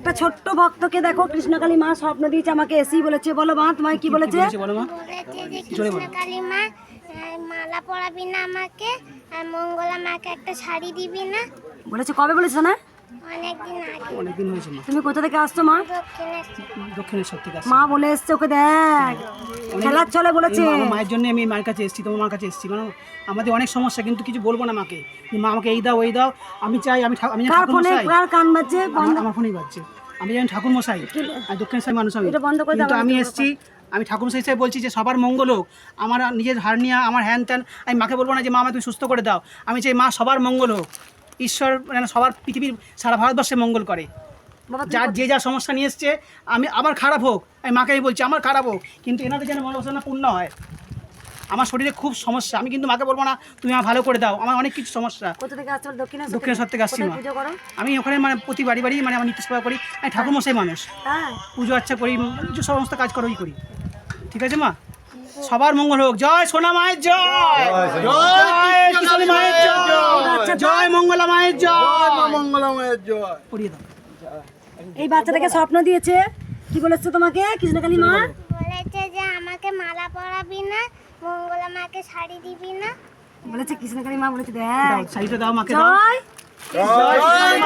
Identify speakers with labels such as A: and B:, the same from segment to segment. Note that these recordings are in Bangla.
A: একটা ছোট্ট ভক্তকে দেখো কৃষ্ণকালী মা স্বপ্ন দিয়েছে, আমাকে এসেই বলেছে। বলো মা, তোমায় কি বলেছে?
B: বলো মা। বলেছে যে কৃষ্ণকালী মা মালা পরাবি না আমাকে, আর মঙ্গলা মাকে একটা শাড়ি দিবি না।
A: বলেছে কবে বলেছে না?
B: অনেকদিন হয়েছে মা।
A: তুমি কোথা থেকে আসছো মা?
B: দক্ষিণেশ্বর থেকে
A: মা বলে এসছে, ওকে দেখ খেলার চলে বলেছে।
B: আমার মায়ের জন্য আমি মায়ের কাছে এসেছি, তোমার মার কাছে এসেছি। কারণ আমাদের অনেক সমস্যা, কিন্তু কিছু বলবো না মাকে, মা আমাকে এই দাও ওই দাও। আমি চাই আমি
A: কার ফোনে কার কান বাজছে?
B: আমার ফোনেই বাজছে। আমি যেমন ঠাকুর মশাই আর দক্ষিণেশ্বর মানুষ, আমি
A: এটা বন্ধ করে দাও।
B: কিন্তু আমি এসেছি, আমি ঠাকুর মশাই হিসেবে বলছি যে সবার মঙ্গল হোক। আমার নিজের হার্নিয়া, আমার হ্যান ত্যান, আমি মাকে বলবো না যে মা আমাকে তুমি সুস্থ করে দাও। আমি চাই মা সবার মঙ্গল হোক, ঈশ্বর যেন সবার পৃথিবীর সারা ভারতবর্ষে মঙ্গল করে। যার যে যা সমস্যা নিয়ে এসছে, আমি আবার খারাপ হোক, আমি মাকে বলছি আমার খারাপ হোক, কিন্তু এনাদের যেন মনোবাসনা পূর্ণ হয়। আমার শরীরে খুব সমস্যা, আমি কিন্তু মাকে বলবো না তুমি আমার ভালো করে দাও, আমার অনেক কিছু সমস্যা।
A: কোথা থেকে আসছো?
B: দক্ষিণেশ্বর থেকে আসছি মা। আমি ওখানে মানে প্রতি বাড়ি বাড়ি মানে আমার নিত্য সেবা করি, আমি ঠাকুর মশাই মানুষ, পুজো আচ্ছা করি, যে সমস্ত কাজ করি। ঠিক আছে মা, সবার মঙ্গল হোক। জয় সোনা মায়ের জয়, জয় কৃষ্ণ মায়ের জয়, জয় মঙ্গলা মায়ের জয়,
C: মঙ্গলা মায়ের জয়।
B: পড়িয়ে দাও।
A: এই বাচ্চাটাকে স্বপ্ন দিয়েছে, কি বলেছে তোমাকে কৃষ্ণকালী মা?
B: বলেছে যে আমাকে মালা পরাবি না, মঙ্গলা মাকে শাড়ি দিবি না।
A: বলেছে কৃষ্ণকালী মা বলেছে দেখ
B: শাড়িটা দাও মাকে, দাও।
A: জয়
C: জয়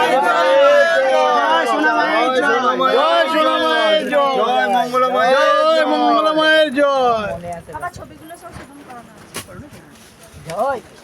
C: সোনা মায়ের জয়, জয় সোনা মায়ের জয়, জয় মঙ্গলা মায়ের জয়, মঙ্গলা মায়ের জয়।
A: বাবা ছবিগুলো সব সেখানে করানো আছে। জয়